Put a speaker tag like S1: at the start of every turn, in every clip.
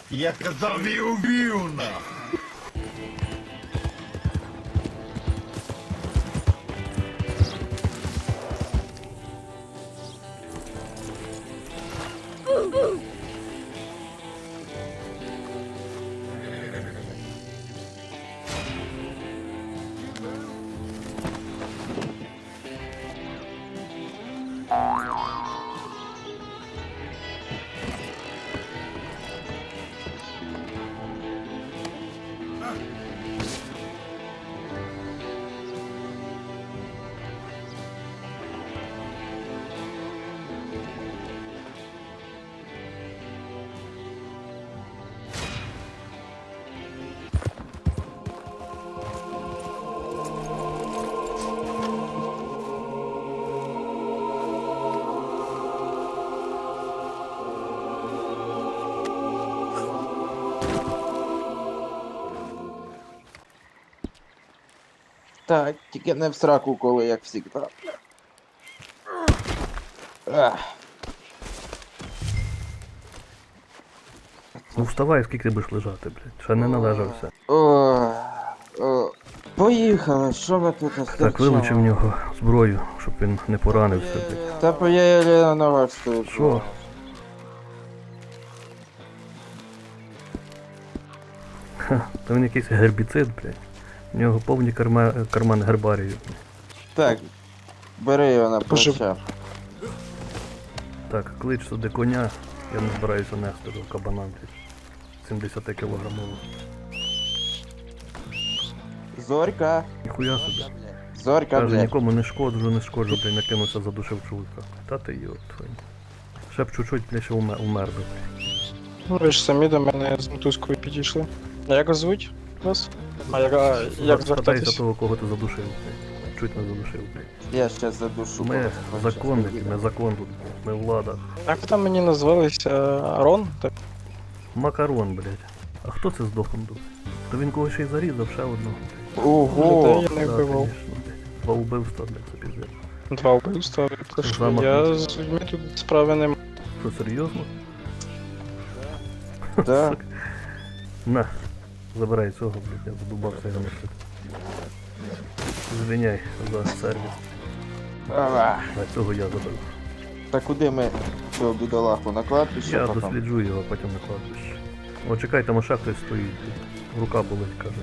S1: Я казав вів-вів, на!
S2: Так, тільки не в сраку, коли як завжди. Ах.
S3: Ну вставай, скільки ти будеш лежати, блядь. Ще не належався.
S2: О, поїхали, що ви тут
S3: Так,
S2: стерчали?
S3: вилучи в нього зброю, щоб він не поранився, блядь.
S2: Та по я єлі на ногах стою.
S3: Що? Ха, та він якийсь гербіцид, блядь. У нього повні карман гербарію.
S2: Так, бери його на
S4: Боже.
S2: плече.
S3: Так, клич сюди коня. Я не збираюся нести до кабана, блядь. 70 кілограмового.
S2: Зорька,
S3: Ніхуя собі.
S2: зорька,
S3: Каже,
S2: блядь.
S3: нікому не шкоджу, блядь, накинувся, задушив чоловіка. Та ти йот твій. Ще б чуть-чуть, блядь, ще умер би.
S4: Ну, ви ж самі до мене з мотузкою підійшли. А як вас звуть вас? А як
S3: Спитайся
S4: звертатись?
S3: того, кого ти задушив, блядь. Чуть не задушив, блядь.
S2: Я ще задушу.
S3: Ми
S2: кого
S3: законники,
S2: хочеш.
S3: ми закон тут, ми влада.
S4: Як ви там мені назвалися? Рон? Так.
S3: Макарон, блядь. А хто це здохом був? То він когось ще й зарізав, ще одного.
S2: Ого!
S4: Людей я не
S3: Да,
S4: вбивав.
S3: конечно, блядь. Два вбивства, блядь, це піздець.
S4: Два вбивства. Та що,
S3: Замах.
S4: я з людьми тут справи не маю.
S3: Що, серйозно?
S2: Да.
S3: На, забирай цього, блядь, я задубався його носити. Звиняй за сервіс.
S2: Ава.
S3: А цього я заберу.
S2: Та куди ми цього бідолаху на кладбище
S3: Я
S2: потім?
S3: досліджу його, а потім на кладбище. О, чекай, там ще хтось стоїть. блядь. Рука болить, каже.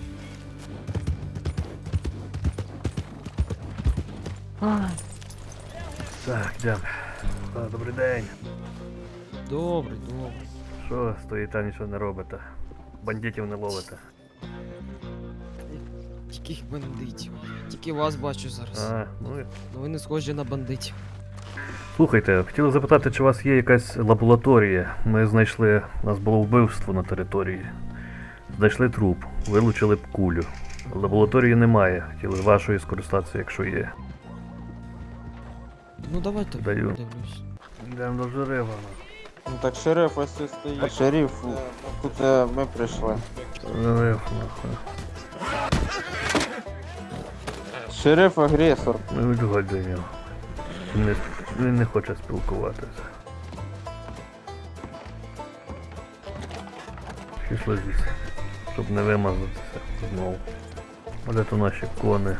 S3: Так, йдемо. Добрий день.
S5: Добре, добре.
S3: Що стоїте, нічого не робите? Бандитів не ловите.
S5: Яких бандитів? Тільки вас бачу зараз.
S3: Ну,
S5: Ну ви не схожі на бандитів.
S3: слухайте, хотіли запитати, чи у вас є якась лабораторія? Ми знайшли, у нас було вбивство на території. Знайшли труп, вилучили б кулю. Лабораторії немає, хотіли вашої скористатися, якщо є.
S5: Ну давайте
S3: Даю.
S5: подивлюсь.
S3: Йдемо до жерева.
S2: Ну так шериф ось тут стоїть. Шериф, тут ми прийшли.
S3: Жерев, нахуй.
S2: Шериф агресор.
S3: Ну відгодь до нього. Він не хоче спілкуватися. Пішли звідси, щоб не вимазатися знову. А де то наші кони?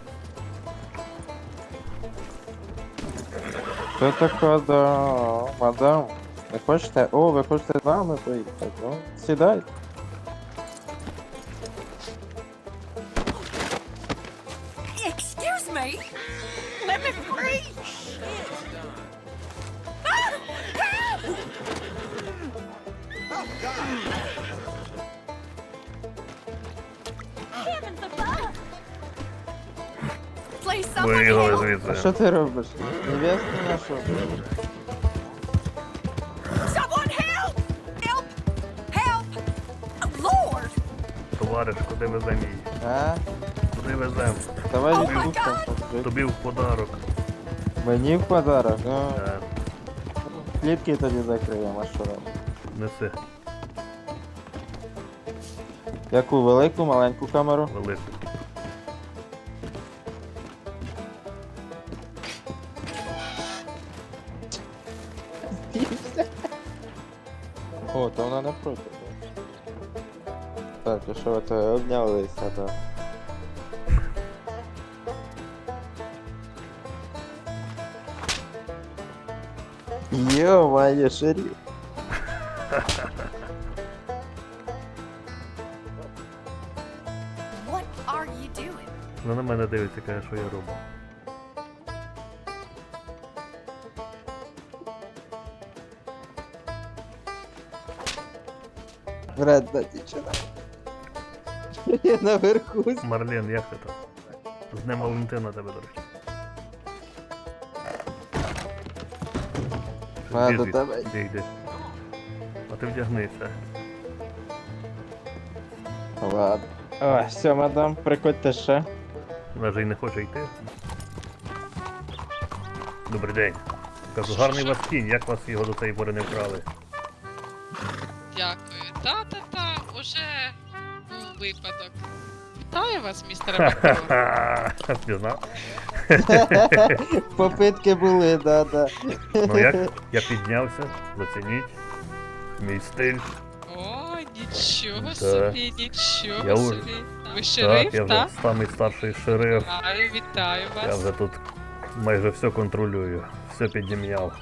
S2: Це така, да, мадам. Ви хочете? О, ви хочете з нами поїхати? Ну, сідай.
S6: Excuse me? Let me free! Ah! Help! Heavens above! Please, somebody
S3: Виїхали
S6: help!
S2: А
S3: звідси.
S2: що ти робиш? Невесту нашу?
S6: Someone help! Help! Help! Oh, Lord!
S3: Товариш, куди веземо її?
S2: А?
S3: Куди веземо?
S2: Давай
S6: Oh my
S2: відпустимо.
S6: God!
S3: Тобі в подарок.
S2: Мені в подарок? Ну,
S3: Е,
S2: клітки тоді закриємо, а що робити?
S3: Неси
S2: Яку велику, маленьку камеру?
S3: велику.
S2: О, то вона не проти. Так, і що ви то обнялися, да. Йо-моє, шериф.
S6: What are you doing?
S3: Вона на мене дивиться, каже, що я роблю.
S2: Вредна дівчина. Я наверху.
S3: Марлен, як ти там? З Днем Валентина тебе, до речі.
S2: Ладно,
S3: Іди,
S2: давай.
S3: Іди, йди. А ти вдягнися.
S2: Ладно. Ой, все, мадам, приходьте ще.
S3: Вона же й не хоче йти. Добрий день. Кажу, гарний у вас кінь, як вас його до цієї пори не вкрали?
S7: Дякую. Та-та-та, уже був випадок. Вітаю вас, містере Макдор.
S3: Ха-ха! Пізнав?
S2: Попитки були, да.
S3: Ну як? Я піднявся, зацініть. Мій стиль.
S7: О, нічого
S3: Да.
S7: собі, нічого
S3: Я
S7: собі. Ви
S3: Так,
S7: шериф,
S3: я вже
S7: так?
S3: самий старший шериф.
S7: Вітаю
S3: Я
S7: вас.
S3: вже тут майже все контролюю, все підім'яв.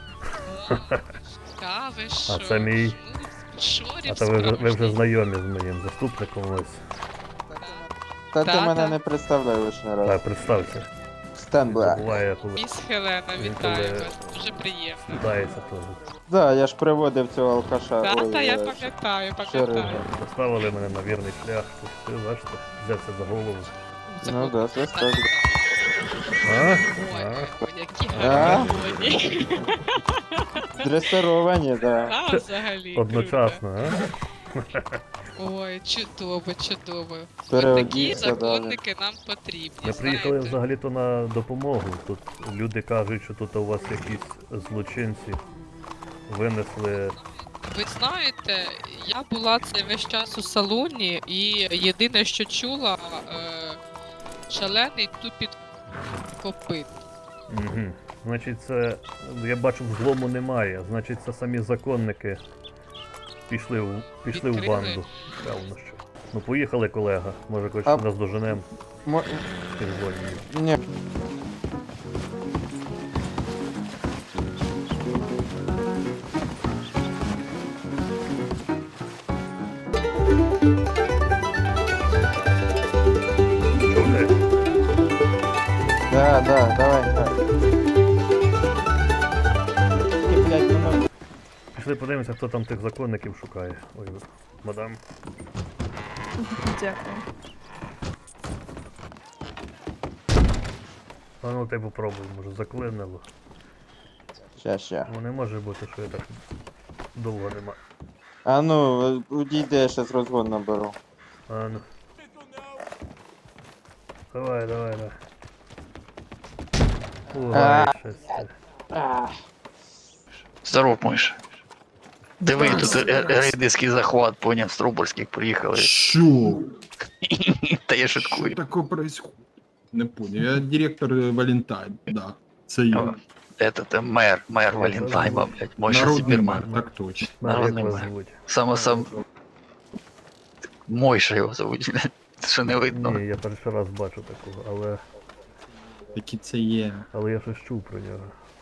S7: Та ви що?
S3: А це мій.
S7: Шорів
S3: А то ви вже
S7: справжній.
S3: знайомі з моїм заступником ось.
S2: Та ти
S7: Да,
S2: мене
S7: да.
S2: не представляй лишній раз.
S3: Так, представся.
S2: Стенблек.
S3: Забуває, коли
S7: Міс Хелена,
S3: Він
S7: вітаю
S3: коли-
S7: вас. Дуже приємно.
S3: вдається теж.
S2: Да, я ж приводив цього алкаша.
S7: Та,
S2: ой,
S7: та, я
S2: ой,
S7: пам'ятаю,
S2: шерифа.
S7: пам'ятаю.
S3: Поставили мене на вірний шлях, тут все, бачите, взявся за голову.
S7: Це
S2: Ну
S7: було-
S2: да, це так.
S3: А?
S7: Ой,
S3: А?
S7: ой, які
S2: А?
S7: гарні коні.
S2: Дресировані, да.
S7: А, взагалі. круто.
S3: Одночасно, а?
S7: Ой, чудово, чудово. От такі
S2: Переодівся,
S7: законники нам потрібні.
S3: Ми приїхали
S7: знаєте.
S3: взагалі-то на допомогу. Тут люди кажуть, що тут у вас якісь злочинці винесли.
S7: Ви знаєте, я була цей весь час у салоні, і єдине, що чула, шалений тупіт копит.
S3: Угу. Значить, це. Я бачу, взлому немає. Значить, це самі законники пішли в
S7: Відкрили?
S3: банду. Певно, що. Ну поїхали, колега. Може, хоч
S2: А-
S3: нас доженемо
S2: Мо-
S3: підзвонюємо.
S2: Ні.
S3: Чули?
S2: Да, давай, так. Ні, блядь, ну,
S3: Пішли подивимося, хто там тих законників шукає. Ой, мадам.
S8: Дякую.
S3: А ну ти попробуй, може заклинило.
S2: ща.
S3: Ну не може бути, що я так довго нема.
S2: А ну, удійди, я щас розгон наберу.
S3: А ну. Давай. Пугай щось. це.
S9: Здоров, миш. Диви, тут рейдерський захват, поняв, з Трубольських приїхали.
S1: Що?
S9: Та я
S1: Що
S9: шуткую.
S1: таке происходит? Не понял. Я директор Валентайн, да. Це я.
S9: Это мер Валентайма, блядь, мой ще
S1: Народний
S9: супермен.
S1: мер, так точно.
S3: Народ
S9: Народний
S3: вас
S9: мер.
S3: звуть.
S9: Сам Мойша його зовуть, блядь. Що не видно.
S3: Ні, я перший раз бачу такого,
S1: Такі це є.
S3: але я щось чув про нього.